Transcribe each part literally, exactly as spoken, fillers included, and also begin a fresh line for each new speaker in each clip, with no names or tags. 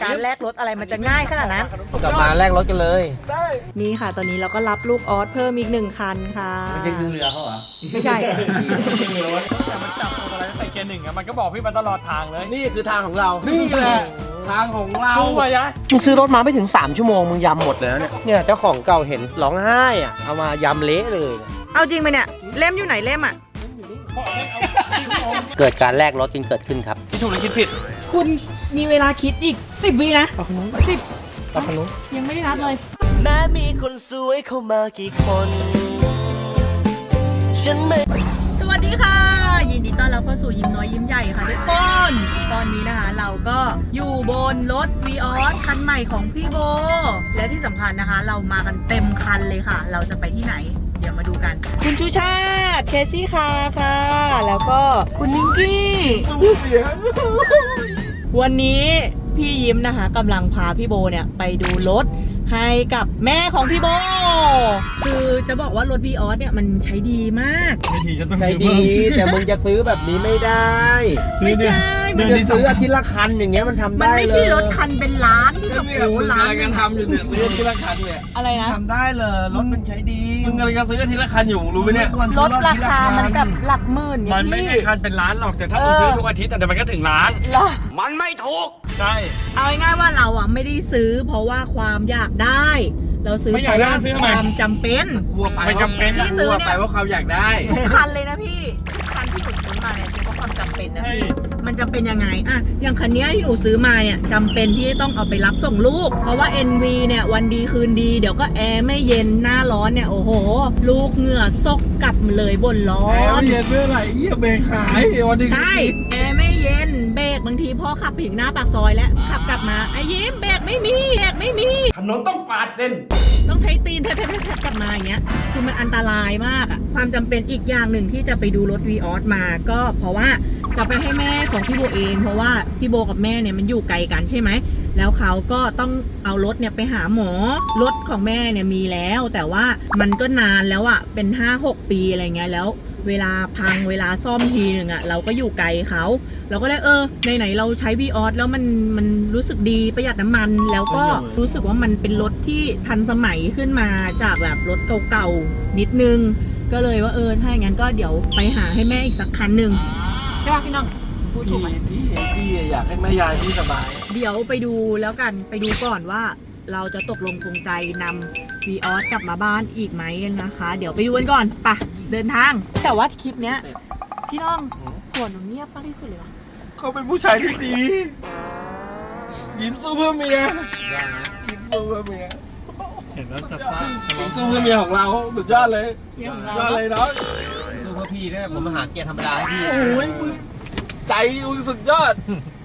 การแลกรถอะไรมันจะง่ายขนาดนั้น
กลับมาแลกรถกันเลย
นี่ค่ะตอนนี้เราก็รับลูกออสเพิ่มอีกหนึ่งคันค่ะ
ไม่ใช่ขึ้นเรือเขาเหรอ
ไม่ใช่
แต่มันจับตัวอะไรใส่เกียร์หนึ่งอะมันก็บอกพี่มาตลอดทางเลย
นี่คือทางของเรานี่แหละทางของเรา
ดูอะยะ
มึงซื้อรถมาไม่ถึงสามชั่วโมงมึงยำหมดแล้วเนี่ยเนี่ยเจ้าของเก่าเห็นร้องไห้อ่ะเอามายำเละเลย
เอาจริงไหมเนี่ยเล่มอยู่ไหนเล่มอ่ะ
เกิดการแลกรถกันเกิดขึ้นครับ
พี่ถูกหรือคิดผิด
คุณมีเวลาคิดอีกสิบวินะสิบ
ปะพนุ
ยังไม่ได้นับเลย
แม้มีคนสวยเข้ามากี่คนฉันไม่
สวัสดีค่ะยินดีต้อนรับเข้าสู่ยิ้มน้อยยิ้มใหญ่ค่ะทุกคนตอนนี้นะคะเราก็อยู่บนรถ วี ออส คันใหม่ของพี่โบและที่สำคัญนะคะเรามากันเต็มคันเลยค่ะเราจะไปที่ไหนเดี๋ยวมาดูกันคุณชูชาติเคซี่คาค่ะแล้วก็คุณนิงกี้วันนี้พี่ยิ้มนะคะกำลังพาพี่โบเนี่ยไปดูรถให้กับแม่ของพี่โบคือจะบอกว่ารถ วี ออส เนี่ยมันใช้ดีมาก
ไม่ทีจะต้อง
ใช่
ซื้อ
ดี
เพิ่ม
แต่มึงจะซื้อแบบนี้ไม่ได้
ไม่ใช่
มึงจะซื้ออาทิตย์ละคันอย่างเงี้ยมันทำได้เลยมัน
ไม่ใช่รถคันเป็นล้านที่แบบโอ้ล้าน
กันทำอยู่เนี่ยซื้ออาทิตย์ละคันเนี่ย
อะไรนะ
ทำได้เลยรถมันใช้ดี
มึงกำลังจะซื้ออาทิตย์ละคันอยู่รู้ไหมเนี่ย
รถราคามันแบบหลักหมื่น
มันไม่ใช่คันเป็นล้านหรอกแต่ถ้ามึงซื้อทุกอาทิตย์เดี๋ยวมันก็ถึงล้าน
มันไม่ถูก
ใช่
เอาง่ายๆว่าเราอ่ะไม่ได้ซื้อเพราะว่าความอยากได้เราซื้อเพราะว่าความจำเป็น
ไม่จำเป็น
ที่ซื้อเนี่ย
ไปว่าความอยากได้
ทุกคันเลยนะพี่ทุกคันที่หนูซื้อมาเนี่ยซื้อเพราะความจำเป็นนะพี่มันจะเป็นยังไงอ่ะอย่างคันนี้ที่หนูซื้อมาเนี่ยจำเป็นที่ต้องเอาไปรับส่งลูกเพราะว่า เอ็น วี เนี่ยวันดีคืนดีเดี๋ยวก็แอร์ไม่เย็นหน้าร้อนเนี่ยโอ้โหลูกเหงื่อซกกลับเลยบนร้อน
แอร์ไม่เย็นเมื่อไหร่เยี่ยเบรกหายวันดี
ใช่แอร์ไม่เย็นเบรกบางทีพ่อขับถึงหน้าปากซอยแล้วขับกลับมาไอ้ยิ้มเบรกไม่มีเบรกไม่มี
ถนนต้องปาดเล่น
ต้องใช้ตีนแทบๆๆกลับมาอย่างเงี้ยคือมันอันตรายมากอ่ะความจำเป็นอีกอย่างหนึ่งที่จะไปดูรถ วี ออส มาก็เพราะว่าจะไปให้แม่ของพี่โบเองเพราะว่าพี่โบกับแม่เนี่ยมันอยู่ไกลกันใช่ไหมแล้วเขาก็ต้องเอารถเนี่ยไปหาหมอรถของแม่เนี่ยมีแล้วแต่ว่ามันก็นานแล้วอ่ะเป็น ห้าหก ปีอะไรเงี้ยแล้วเวลาพังเวลาซ่อมทีหนึ่งอ่ะเราก็อยู่ไกลเขาเราก็เลยเออไหนๆเราใช้ วี ออส แล้วมันมันรู้สึกดีประหยัดน้ำมันแล้วก็รู้สึกว่ามันเป็นรถที่ทันสมัยขึ้นมาจากแบบรถเก่าๆนิดนึงก็เลยว่าเออถ้าอย่างนั้นก็เดี๋ยวไปหาให้แม่อีกสักคันหนึ่งใช่ป่ะพี่น้องพูดถูกไหม
พี่พี่อยากให้แม่ยายพี่สบาย
เดี๋ยวไปดูแล้วกันไปดูก่อนว่าเราจะตกลงปรงใจนำ วี ออส กลับมาบ้านอีกไหมนะคะเดี๋ยวไปดูกันก่อนไปเดินทางแต่ว่าคลิปเนี้ยพี่น้องหัวหนูเงียบมากที่สุดเลยวะ
เขาเป็นผู้ชายที่ดียิ้มสู้เพื่อเมียยิ้มสู้เพื่อเมีย
เห็นแล้วจะฟาด
ยิ้มสู้เพื่อเมียของเราสุดยอดเลยยอดเลยเนาะ
สู้เพื่อพี่เนี่ยผมมาหาเกียร์ธรรมดาให้พี่
โอ้ยใจมึงสุดยอด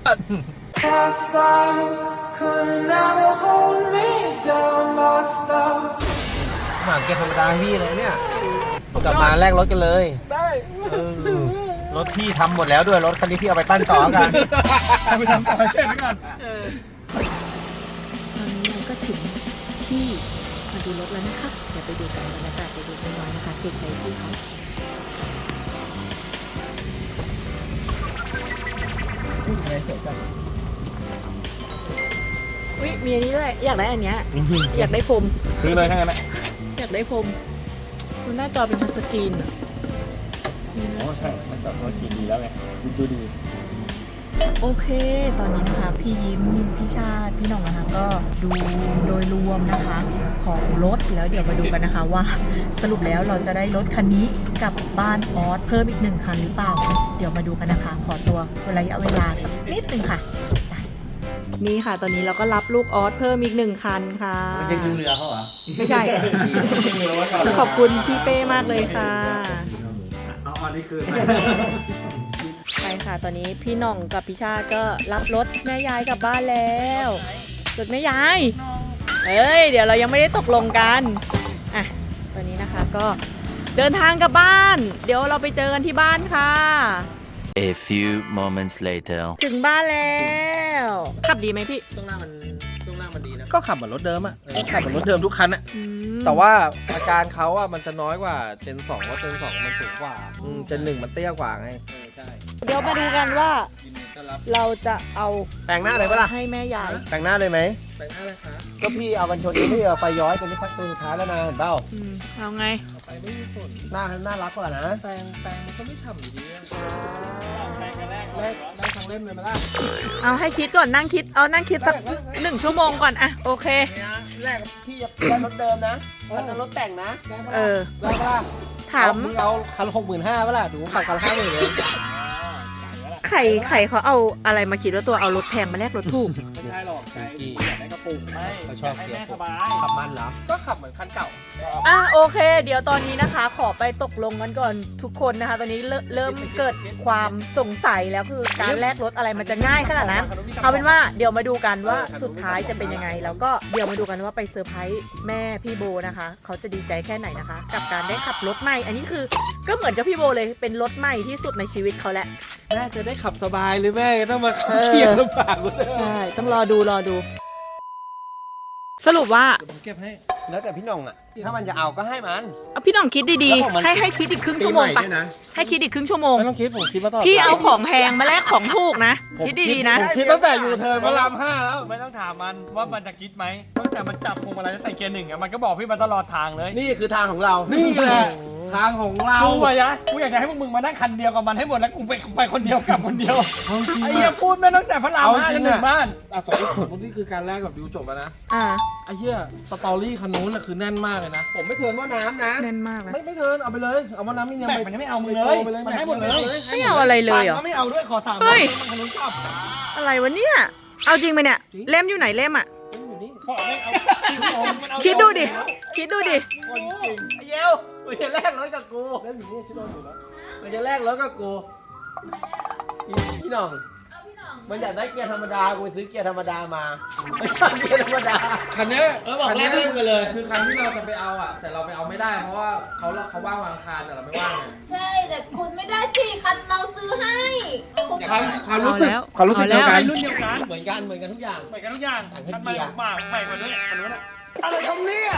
หาเกียร์ธรรมดาให้พี่เลยเนี่ยกลับมาแลกรถกันเลยได้รถพี่ทำหมดแล้วด้วยรถคันนี้พี่เอาไปปั้นต่อกัน
เอาไปทำต่อเช่นกัน
ตอนนี้เราก็ถึงที่มาดูรถแล้วนะคะเดี๋ยวไปดูกันบรรยากาศไปดูกันน้อยนะคะเก็บใจที่เขาอุ้ยมีอันนี้ด้วยอยากได้อันเนี้ยอยากได้พรม
ซื้อเลยทั้งนั้นแหละ
อยากได้พรมดูหน้าจอเป็นทัชสกรีนอ่ะ
โอ้ใช่มันจอดรถกี่ดีแล้วไงดูดี
โอเคตอนนี้นะคะพี่ยิ้มพี่ชาติพี่หน่องนะคะก็ดูโดยรวมนะคะของรถแล้วเดี๋ยวมาดูกันนะคะว่าสรุปแล้วเราจะได้รถคันนี้กลับบ้านออสเพิ่มอีกหนึ่งคันหรือเปล่าเดี๋ยวมาดูกันนะคะขอตัวระยะเวลาสักนิดนึงค่ะนี่ค่ะตอนนี้เราก็รับลูกออสเพิ่มอีกหนึ่งคันค่ะ
ไม่ใช่ขึ้นเรือเขาเหรอ
ไม่ใช่ขอบคุณพี่เป้มากเลยค่ะ
เอาอันนี้คือ
ใช่ค่ะตอนนี้พี่หน่องกับพี่ชาติก็รับรถแม่ยายกลับบ้านแล้วรถแม่ยายเอ้ยเดี๋ยวเรายังไม่ได้ตกลงกันอ่ะตอนนี้นะคะก็เดินทางกลับบ้านเดี๋ยวเราไปเจอกันที่บ้านค่ะ
A few moments later
ถึงบ้านแล้วขับดีไหมพี่
ช่วงหน้ามันช่วงหน้ามันดีนะก็ขับเหมือนรถเดิมอ่ะขับเหมือนรถเดิมทุกคันอ่ะแต่ว่าอาการเขาอ่ะมันจะน้อยกว่าเจนสองเพราะเจนสองมันสูงกว่าเจนหนึ่งมันเตี้ยกว่าไง
เดี๋ยวมาดูกันว่าเราจะเอา
แต่งหน้าเลยปะล่ะ
ให้แม่ยาย
แต่งหน้าเลยไหม
แต่งหน้าเลยครับ
ก็พี่เอากันชนนี้พี่เอาไฟย้อยตัวนี้พักตัวสุดท้ายแล้วนะเห็นเปล่า
อืมเอาไง
ไปไม่มีฝน
หน้าน่ารักกว่านะ
แต่งแต่งมันก็ไม่ฉ่ำอยู่ดีอะแต่งกันแรกแรกได้ทั้งเล่มเลยมาล่ะ
เอาให้คิดก่อนนั่งคิดเอานั่งคิดสักหนึ่งชั่วโมงก่อนอะโอเค
แรกพี่จะได้รถเดิมนะคันนั้นรถแต่งนะ
เออ
ได้ปะล่ะ
ถาม
มึงเอาคันหกหมื่นห้าปะล่ะดูขับคันห้าหมื่นเลย
ไข่ไข่เขาเอาอะไรมาคิดว่าตัวเอารถแพงมาแลกรถถูก
ไม่ใช่หรอกใจอยากได้กระปุกไม่
เขาชอบ
ให้
เกีย
แม่
ร์
สบาย
ขับมันเหรอ
ก็ขับเหมือนคันเก่า
อ่ะโอเค เดี๋ยวตอนนี้นะคะ ขอไปตกลงกันก่อนทุกคนนะคะ ตอนนี้เริ่มเริ่มเกิดความสงสัยแล้วคือการแลกรถอะไรมันจะง่ายขนาดนั้น เอาเป็นว่าเดี๋ยวมาดูกันว่าสุดท้ายจะเป็นยังไง แล้วก็เดี๋ยวมาดูกันว่าไปเซอร์ไพรส์แม่พี่โบนะคะ เขาจะดีใจแค่ไหนนะคะ กับการได้ขับรถใหม่ อันนี้คือก็เหมือนกับพี่โบเลยเป็นรถใหม่ที่สุดในชีวิตเขาแหละ
แม่จะได้ขับสบายหรือแม่ต้องมาเครียดลำบากกูเลย
ใช่ต้องรอดูรอดู สรุปว่า
ผมเก็บให้
แล้วแต่พี่น้องอ่ะถ้ามันจะเอาก็ให้มัน
เอาพี่น้องคิดดี
แล้วของมัน
ๆให้ให้คิดอีกครึ่งชั่วโมง
ปีให
ไป
ด้วยนะ
ให้คิดอีกครึ่งชั่วโมง
ไม่ต้องคิดผมคิดมาตลอด
พี่เอาของแพงมาแลกของถูกนะ คิดดีๆนะ
ผมคิดตั้งแต่อยู่เทิร์นพระรามห้าแล้วไม่ต้องถามมันว่ามันจะคิดไหมตั้งแต่มันจับพวงมาลัยแล้วใส่เกียร์หนึ่งอะมันก็บอกพี่มาตลอดทางเลย
นี่คือทางของเรา
นี่แหละทางของเรากูอะยะกูอยากจะให้พวกมึงมานั่งคันเดียวกับมันให้หมดแล้วกูไปไปคนเดียวกลับคนเดียวไอ้เหี้ยพูดไม่ตั้งแต่พระรามห้าจนถึงบ้านอ่ะสองคนนี่คือการแรกกับดิวจบแล้วนะ
อ่า
ไอ้เหี้ยสตอรี่คันนู้นน่ะคือแน่นมากเลยนะ
ผมไม่เทิร์นว่าน้ำนะ
แน่นมากเลย
ไม่ไม่เทิร์นเอาไปเลยเอามาน้ำนี่ยังมันยังไม่เอามึงเลย มันให้หมดเลย
ไม่เอาอะไรเลยเหรอ
มันไม่เอาด้วยขอสาม
เฮ้ย
มันคันนู้นกลับ
อะไรวะเนี่ย เอาจริงไหมเนี่ย เล่มอยู่ไหนเล่มอ่ะ
อยู่นี่ขอไม่เอามันเอา
คิดดูดิ คิดดูดิ
จริง
ไอ้เยวมันจะแลกรถกับกูแล้วอยู่นี่ชิโดนอยู่แล้วมันจะแลกรถกับกูพี่น้องมันอยากได้เกียร์ธรรมดากูไปซื้อเกียร์ธรรมดามาไม่ชอบเกียร์ธรรมดา
คันเนี้ย
เออบอก
คัน
แล
เนี้
ก
ย
เล่มกันเลย
คือคันที่เราจะไปเอาอ่ะ แต่เราไปเอาไม่ได้เพราะว่าเขาเขาว่างวันอังคารแต่เราไม่ว่างไง
ใช่ แต่คุณไม่ได้สิคันเราซื้อให้คุณ
ความความรู้สึก
เอาแล้ว
ความรู้สึกเดียวกัน
เอาแล้ว
รุ่นเดียวกัน
เหมือนกันเหมือนกันทุกอย่าง
เหมือนกันทุกอย่าง
ต่างแค่
คันให
เกี
ม่
ยร์
มากใหม่กว่านู้นคันนู้นอะ
อะไรทำเนี่ย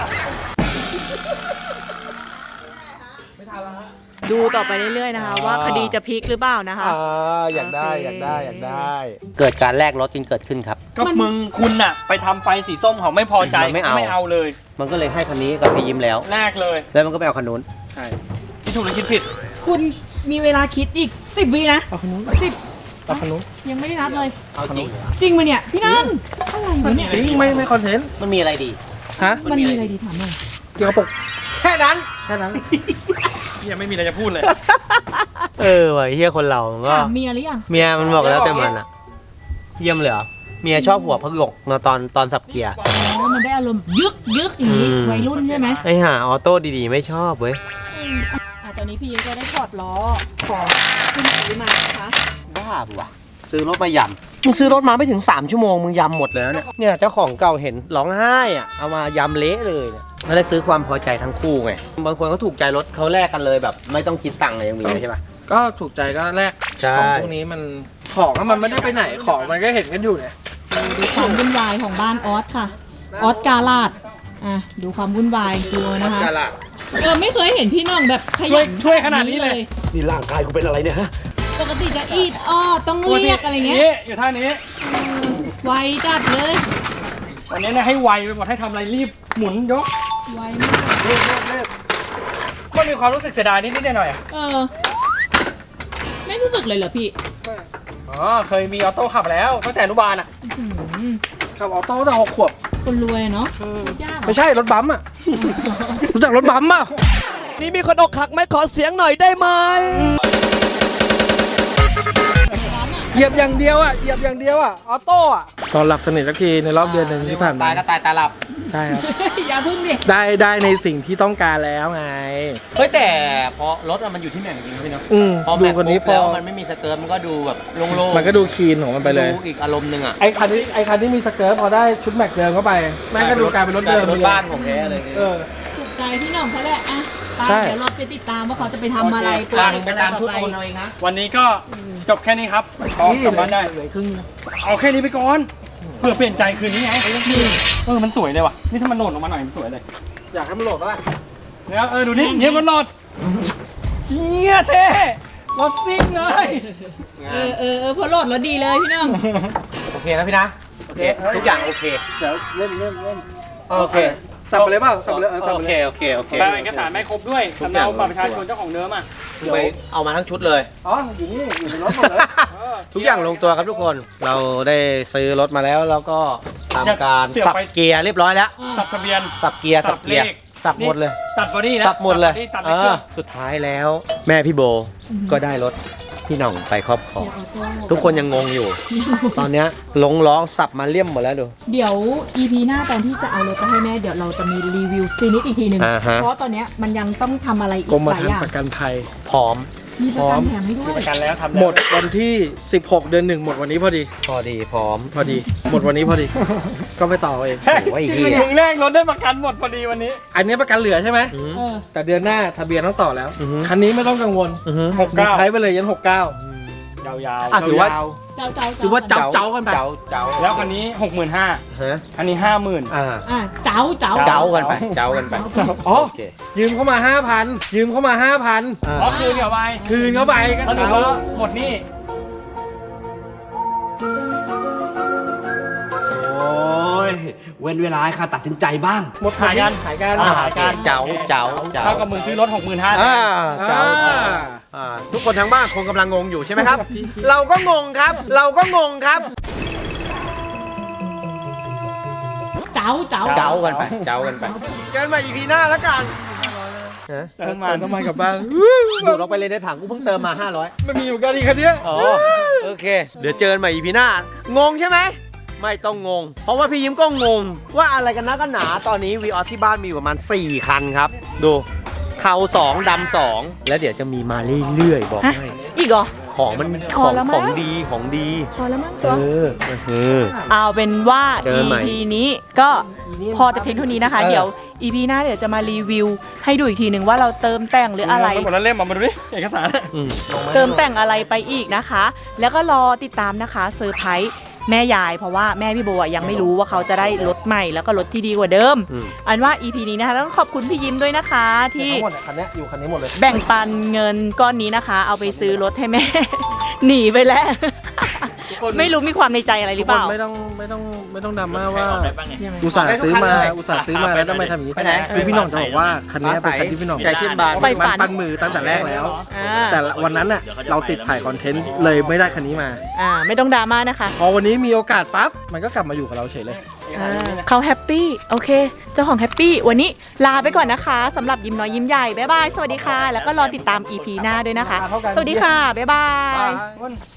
ไม่ทันแล้วฮะ
ดูต่อไปเรื่อยๆนะคะ ว่าคดีจะพลิกหรือเปล่านะคะ
อ่าอยากได้
โอเค
อยากได้อยากได้ เกิดการแลกรถกันเกิดขึ้นครับ
ก็มึงคุณน่ะ ไปทำไฟสีส้มเขาไม่พอใจ
มันไม่เอา
ไม่เอาเลย
มันก็เลยให้คันนี้กับพี่ยิ้มแล้ว
แรกเลย
แล้วมันก็ไปเอาคันนู้น
ใช่ที่ถูกหรือคิดผิด
คุณมีเวลาคิดอีกสิบวินะ
เอาคันนู้น
สิบ
เอาคันนู้น
ยังไม่ได้นับเลย
เอาจริงเหรอ
จริงไหมเนี่ย พี่นันอะไรวะเนี่ย
จริงไม่ไม่คอนเทนต์
มันมีอะไรดี
ฮะ
มันมีอะไรดีถามหน่อย
เกี่ยวกับปก
แค่นั้น
แค่นั้นยังไม่มีอะไรจะพูดเลย
เออว่ะเฮียคนเราก็
ถามเมียหรือยัง
เมียมันบอกแล้วแต่มันอะเยี่ยมเลยเหรอเมียชอบหัวพักหยกนะตอนตอนสับเกียร์
อ๋อมันได้อารมณ์ยึกยึกอย่างนี้
อืม
วัยรุ่นใช่ไหม
ไอ้ห่าออโต้ดีๆไม่ชอบเว้ย
อืมอ่ะตอนนี้พี่ยิ้มก็ได้ถอดล้อของคุณซื้อมานะคะ
บ้าปะวะซื้อรถมายำมึงซื้อรถมาไม่ถึงสามชั่วโมงมึงยำหมดแล้วเนี่ยเนี่ยเจ้าของเก่าเห็นร้องไห้อ่ะเอามายำเละเลยเนี่ยไม่ได้ซื้อความพอใจทั้งคู่ไงบางคนเขาถูกใจรถเขาแลกกันเลยแบบ ไม่ต้องคิดตังค์เลยยังมีเลยใช่ปะ
ก็ถูกใจก็แรก
ใช่
ของพวกนี้มันของอะมันไม่ได้ไปไหนของมันก็เห็นกันอยู่เนี่ย
ดูความวุ่นวายของบ้านออสค่ะ ออสกาลาดอ่ะดูความวุ่นวายดูนะคะ
กาละ
เออไม่เคยเห็นพี่น้องแบบข
ช่ว
ยั
ย
น
ช่วยขนาดนี้เลย
นี่ร่างกายกูเป็นอะไรเนี่ยฮะ
ปกติจะอีดอ้อต้องเรียกอะไรเงี้ย
อยู่ท่านี้
เออไวจัดเลย
วันนี้เนี่ยให้ไวไปหมดให้ทำอะไรรีบหมุนยก
ไวมาก
เรียบเรียบเรียบก็มีความรู้สึกเสียดายนิดนิดหน่อยๆอะ
เออ ไม่รู้สึกเลยเหรอพี่
อ๋อเคยมีออโต้ขับแล้วตั้งแต่อนุบาลอ่ะ
อื้อหือ
ขับออโต้ตั้งแต่หกขวบ
คนรวยเนาะยากเหรอ
ไม่ใช่รถบัมป์อ่ะ รู้จักรถบัมป์ป่ะ
นี่มีคนอกหักไหมขอเสียงหน่อยได้ไหม
เหยียบอย่างเดียวอ่ะเหยียบอย่างเดียวอ่ะออโต้อ่ะตอนหลับสนิทสักทีในรอบเดือนหนึ่งที่ผ่านมา
ตายก็ตายตาหลับ
ใช่ครับ
อย่าพึ่งดิ
ได้ได้ในสิ่งที่ต้องการแล้วไง
เฮ้ยแต่พอรถอะมันอยู่ที่แม็กจริงๆพี่เนาะ
อืม
พอ
ดู
แม็ก
คนนี้
ปุ๊บ
พอ
แล้วมันไม่มีสเกิร์ตมันก็ดูแบบโล่งๆ
มันก็ดูคีนของมันไปเลย
ดูอีกอารมณ์หนึ่งอ่ะ
ไอคันที่ไอคันที่มีสเกิร์ตพอได้ชุดแม็กเดิมเข้าไปแม่งก็ดูกลายเป็นรถเดิม
กลายเป็นรถบ้านของแท้เลย
เออ
ถูกใจพี่หน้องเขาแหละอ่ะไป
ใช่
เดี๋ยวเราไปติดตามว่าเขาจะไปทำอะไร
โเคตามไปตามชุดโอนเอาเองนะ
วันนี้ก็จบแค่นี้ครับพอกลับบ้านได้เหลือครึ่งเอาแค่นี้ไปก่อนเพื่อเปลี่ยนใจคืนนี้ไงนี่เออมันสวยเลยว่ะนี่ถ้ามันโหลดออกมาหน่อยมันสวยเลย อยากให้มันโหลดปะล่ะเนี่ยเออดูนี่เงี้ยมันโหลดเงี้ยเท่รถซิ่งเลย
เออเออเออพอโหลดแล้วดีเลยพี่น้อง
โอเคนะพี่นะโอเคทุกอย่างโอเค
เดี๋ยวเล่นเล่นเล่น
โอเค
สับไปเลยเปล่าสับไปเลยเออสับ
โอ
ไป
เค
เลย
โอเคโอเค
แต่เอกสารไม่ครบด้วยสำเนาบัตรประชาชนเจ้าของเดิมอ่ะ
ไปเอามาทั้งชุดเลย
อ๋ออยู่นี่อยู่ในรถหมดเลย
ทุกอย่างลงตัวครับทุกคน เราได้ซื้อรถมาแล้วแล้วก็ทำการสับเกียร์เรียบร้อยแล้ว
สับทะเบียน
สับเกียร์สับเกียร์
สับเลข
สับหมดเลย
ตัดบอดี้นะ
สับหมดเลย
ตัด
เอ
เลขเครื่
อ
อง
สุดท้ายแล้ว แม่พี่โบก็ได้รถพี่หน่องไปครอบครองทุกคนยังงงอยู่ ตอนเนี้ยลงล้อสับมาเลี่ยมหมดแล้วดู
เดี๋ยว อี พี หน้าตอนที่จะเอารถไปให้แม่เดี๋ยวเราจะมีรีวิวฟินิชอีกทีหนึ่ง
อ่าฮะ
เพราะตอนเนี้ยมันยังต้องทำอะไรอีก
กรม
หลาย
ธร
อ
รม์
ย่าง
ประกันภัย
พร้อม
มีประกันแถมให้ด้วย
ประกันแล้วทำหมดวันที่สิบหกเดือนหนึ่งหมดวันนี้พอดี
พอดีพร้อม
พอดี หมดวันนี้พอดี ก็ไปต่อเอง
โอ้ยเหี้ย
มึงแรกรถได้ประกันหมดพอดีวันนี้ อันนี้ประกันเหลือใช่ไหม
อืม
เออ
แต่เดือนหน้าทะเบียนต้องต่อแล้ว
อือฮึ
คันนี้ไม่ต้องกังวล
อือฮึ
หกเก้าใช้ไปเลยยันหกเก้า ยาวๆ
อ่ะถือว่า
ยาว
เจ้าเจ้า
ถือว่าเจ้า เจ้กันไป
เจ้าเจ้า
ๆแล้วคันนี้หกหมื่นห้า
ฮะ
คันนี้ห้าหมื่น
อ่า
อ่ะเจ้าเจ้า
เจ้ากันไปเจ้ากันไป
อ๋อ
โอเค
ยืมเข้ามาห้าพันยืมเข้ามาห้าพัน
อ่า
อ๋อคืนเข้าไปคืนเข้าไปสรุปแล้วหมดหนี่โอ้ยเว้นเวลาให้ข้าตัดสินใจบ้างหมดขายกันขายกัน
อ่า
ขายกัน
เจ้าเจ้าเจ้า
เท่ากับมึงซื้อรถหกหมื่นห้า
อ่าเจ้าอ่าทุกคนทางบ้านคงกำลังงงอยู่ใช่ไหมครับ เราก็งงครับ เราก็งงครับ
เจ้าเจ้า
เจ้ากันไปเจ้ากันไปเกินมาอีพีหน้าแล้วกันฮะ
เติมมันน้ำมันกลับบ้าน
ดูดลงไปเลยในถังกูเพิ่งเติมมาห้าร้อย
ไม่มีอยู่กันอีกคันเนี้ย
อ๋อโอเค เดี๋ยวเจอกันใหม่อีพีหน้างงใช่ไหมไม่ต้องงง เพราะว่าพี่ยิ้มก็งง ว่าอะไรกันนะกันหนาตอนนี้วีออสที่บ้านมีอยู่ประมาณสี่คันครับ ดูเขาสองดำสองแล้วเดี๋ยวจะมีมาเรื่อยๆบอกให้
อีกเหรอ
ของมัน
พ
ข
อ
อง
แล้วมั้
ข
ง
องดีของดี
พอแล้วมั้ง
เอ
ตัว
อเออ
เอาเป็นว่า
เจอใหม่
อี พี นี้ก็พอแต่เพียงเท่านี้นะคะ
เออ
เดี๋ยว อี พี หน้าเดี๋ยวจะมารีวิว ให้ดูอีกทีหนึ่งว่าเราเติมแต่งหรืออะไร
หมดแล้วเล่มมาดูดิเอกสาร
อืม
เติมแต่งอะไรไปอีกนะคะ แล้วก็รอติดตามนะคะเซอร์ไพรส์แม่ยาย เพราะว่าแม่พี่โบอะยังไม่รู้ว่าเขาจะได้รถใหม่แล้วก็รถที่ดีกว่าเดิม
อืม
อันว่า อี พี นี้นะคะต้องขอบคุณพี่ยิ้มด้วยนะคะ ที่
ทั้งหมดคันนี้อยู่คันนี้หมดเลย
แบ่งปันเงินก้อนนี้นะคะ เอาไปซื้อรถให้แม่ หนีไปแล้ว ไม่รู้มีความในใจอะไรหรือเปล่า
ไม่ต้องไม่ต้องไม่ต้องดราม่าว่า
ยังไง
อุตส่าห์ซื้อมา
ได้ทุกคันเลย
อุตส่าห์ซื้อมาแล้วทำไมทำอย่างนี้
ไปไหน
คือพี่หน่องจะบอกว่าคันนี้เป็นคันที่พี่หน่อง
ใจชื่นบาน
ไฟฝัน
มันปั้นมือตั้งแต่แรกแล้ว
อ่า
แต่วันนั้นน่ะเราติดถ่ายคอนเทนต์เลยไม่ได้คันนี้มา
อ่าไม่ต้องดราม่านะคะ
พอวันนี้มีโอกาสปั๊บมันก็กลับมาอยู่กับเราเฉยเลย
อ่าเขาแฮปปี้โอเค เจ้าของแฮปปี้วันนี้ลาไปก่อนนะคะสำหรับยิ้มน้อยยิ้มใหญ่บ๊ายบายสวัสดีค่ะ แล้วก็รอติดตาม อี พี หน้าด้วยนะคะ สวัสดีค่ะบ๊ายบาย